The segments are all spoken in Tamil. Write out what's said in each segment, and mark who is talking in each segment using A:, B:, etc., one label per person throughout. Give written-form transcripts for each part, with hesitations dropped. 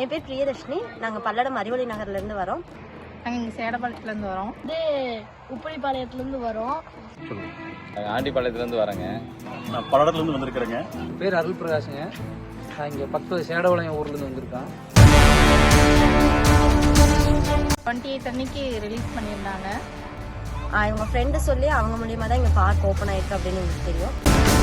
A: என் பேர் பிரியதர்ஷினி. நாங்கள் பல்லடம் அறிவொளி நகர்லேருந்து வரோம்.
B: நாங்கள் இங்கே சேடபாளையத்துலேருந்து வரோம்.
C: உப்பரிப்பாளையத்துலேருந்து வரோம்.
D: ஆண்டிப்பாளையத்துலேருந்து வரேங்க.
E: நான் பல்லடத்துலேருந்து வந்திருக்கிறேங்க.
F: பேர் அருள் பிரகாஷுங்க. நான் இங்கே பக்கத்து சேடபாளையம் ஊர்லேருந்து வந்திருக்கேன்.
B: 28 அன்னைக்கு ரிலீஸ் பண்ணியிருந்தாங்க.
A: இவங்க ஃப்ரெண்டு சொல்லி அவங்க மூலியமாக தான் இங்கே பார்க் ஓப்பன் ஆயிருக்கு அப்படின்னு எங்களுக்கு தெரியும்.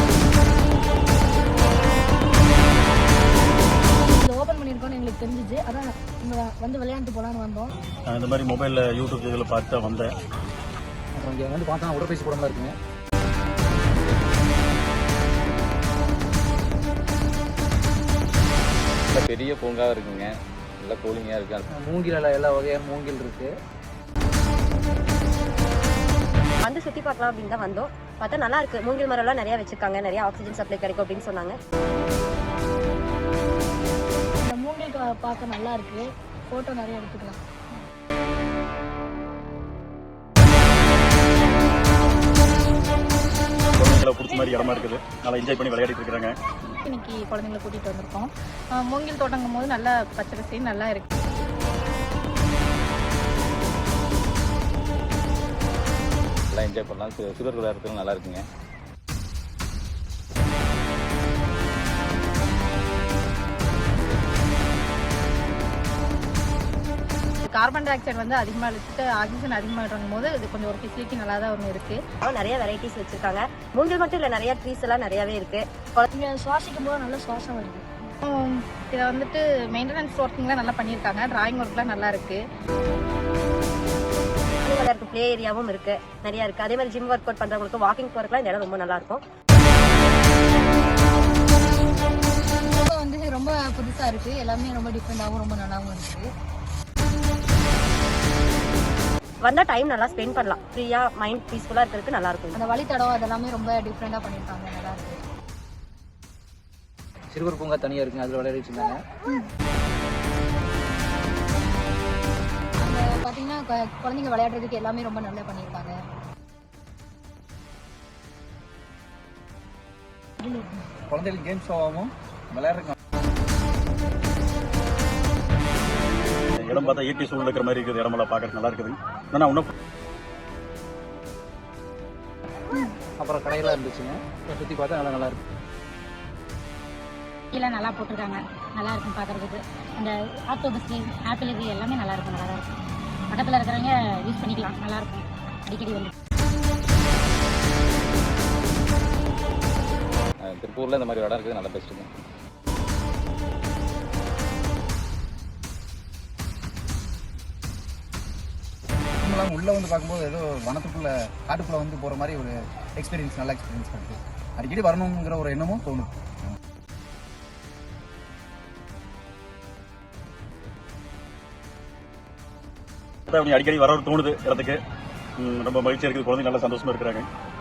C: ஓப்பன் பண்ணியிருக்கோன்னு எங்களுக்கு தெரிஞ்சிச்சு. அதான் இங்கே வந்து விளையாண்டு போகலான்னு வந்தோம்.
E: நான் இந்த மாதிரி மொபைலில் யூடியூப் இதில் பார்த்து தான் வந்தேன்.
F: அப்புறம் இங்கே வந்து பார்த்தா உடற்பயிற்சி கூடலாம் இருக்குங்க.
D: பெரிய பூங்காவும் இருக்குங்க. நல்லா கூலிங்காக இருக்கு.
F: மூங்கில் எல்லா வகையான மூங்கில் இருக்கு.
A: வந்து சுற்றி பார்க்கலாம் அப்படின்னு தான் வந்தோம். பார்த்தா நல்லா இருக்கு. மூங்கில் மரம்லாம் நிறையா வச்சிருக்காங்க. நிறைய ஆக்சிஜன் சப்ளை கிடைக்கும் அப்படின்னு சொன்னாங்க.
C: இந்த மூங்கில் பார்க்க நல்லா இருக்கு. ஃபோட்டோ நிறைய எடுத்துக்கலாம்.
E: குழந்தைங்களை பிடிச்ச மாதிரி இடமா இருக்குது. நல்லா என்ஜாய் பண்ணி விளையாடிட்டு இருக்கிறாங்க.
B: இன்னைக்கு குழந்தைங்களை கூட்டிகிட்டு வந்திருக்கோம். மூங்கில் தோட்டங்கும் போது நல்லா பச்சை பசேன்னு நல்லா இருக்கு.
D: நல்லா என்ஜாய் பண்ணலாம். சுகர் விளையாடுறதுக்கு நல்லா இருக்குங்க.
B: கார்பன் டை ஆக்சைடு வந்து அதிகமாக எடுத்துட்டு ஆக்சிஜன் அதிகமாக இருக்கும் போது இது கொஞ்சம் ஒரு ஃபெசிலிட்டி நல்லா தான் ஒன்று இருக்கு.
A: நிறைய வெரைட்டிஸ் வச்சிருக்காங்க. மூங்கில் மட்டும் இல்லை, நிறைய ட்ரீஸ் எல்லாம் நிறையவே இருக்கு.
C: இங்கே சுவாசிக்கும் போது நல்ல சுவாசம் வருது.
B: இதை வந்துட்டு மெயின்டெனன்ஸ் ஒர்க்கிங்லாம் நல்லா பண்ணியிருக்காங்க. டிராயிங் ஒர்க்லாம் நல்லா இருக்கு.
A: பிளே ஏரியாவும் இருக்கு, நிறைய இருக்கு. அதே மாதிரி ஜிம் ஒர்க் அவுட் பண்றவங்களுக்கு வாக்கிங் போறதுக்குலாம் இந்த இடம் ரொம்ப நல்லா இருக்கும்.
C: வந்து ரொம்ப புதுசா இருக்கு. எல்லாமே ரொம்ப டிஃப்ரெண்டாகவும் ரொம்ப நல்லாவும் இருக்கு.
A: வந்தா டைம் நல்லா ஸ்பெண்ட் பண்ணலாம். ஃப்ரீயா மைண்ட் பீஸ்ஃபுல்லா இருக்கிறதுக்கு நல்லா இருக்கும்.
C: அந்த வழித்தடம் அதெல்லாமே ரொம்ப டிஃப்ரெண்டா பண்ணியிருக்காங்க. நல்லா இருக்கு.
F: சிறுவர் பூங்கா தனியாக இருக்குங்க. அதில் விளையாடி வச்சுருந்தாங்க.
C: அங்கே பார்த்தீங்கன்னா குழந்தைங்க விளையாடுறதுக்கு எல்லாமே ரொம்ப நல்லா பண்ணியிருக்காங்க.
F: குழந்தைகளுக்கு கேம்ஸ் ஷோவாகவும் விளையாடுறாங்க.
E: இடம் பார்த்தா இயற்கை சூழல் இருக்கிற மாதிரி இருக்குது. இடமெல்லாம் பார்க்கறது நல்லா இருக்குது. ஆனால் இன்னும்
F: அப்புறம் கடையெல்லாம் இருந்துச்சுங்க. சுற்றி பார்த்தா நல்லா இருக்கு.
G: கீழே நல்லா போட்டிருக்காங்க. நல்லா இருக்கும் பார்க்குறதுக்கு. அந்த ஆக்டோபஸ் ஆப்பிள் இது எல்லாமே நல்லா இருக்கும். நல்லா தான் இருக்கும். பக்கத்தில் இருக்கிறவங்க யூஸ் பண்ணிக்கலாம். நல்லா இருக்கும். அடிக்கடி வந்து
D: திருப்பூரில் இந்த மாதிரி இடம் இருக்குது. நல்லா பெஸ்ட்டுங்க.
H: உள்ளே வந்து பார்க்கும்போது ஏதோ வனத்துக்குள்ள காட்டுக்குள்ளே வந்து போகிற மாதிரி ஒரு எக்ஸ்பீரியன்ஸ், நல்ல எக்ஸ்பீரியன்ஸ் இருக்குது. அடிக்கடி வரணுங்கிற ஒரு எண்ணமும் தோணும்.
E: அடிக்கடி வர தோணுது இடத்துக்கு. ரொம்ப மகிழ்ச்சியாக இருக்குது. குழந்தைங்க நல்லா சந்தோஷமா இருக்கிறாங்க.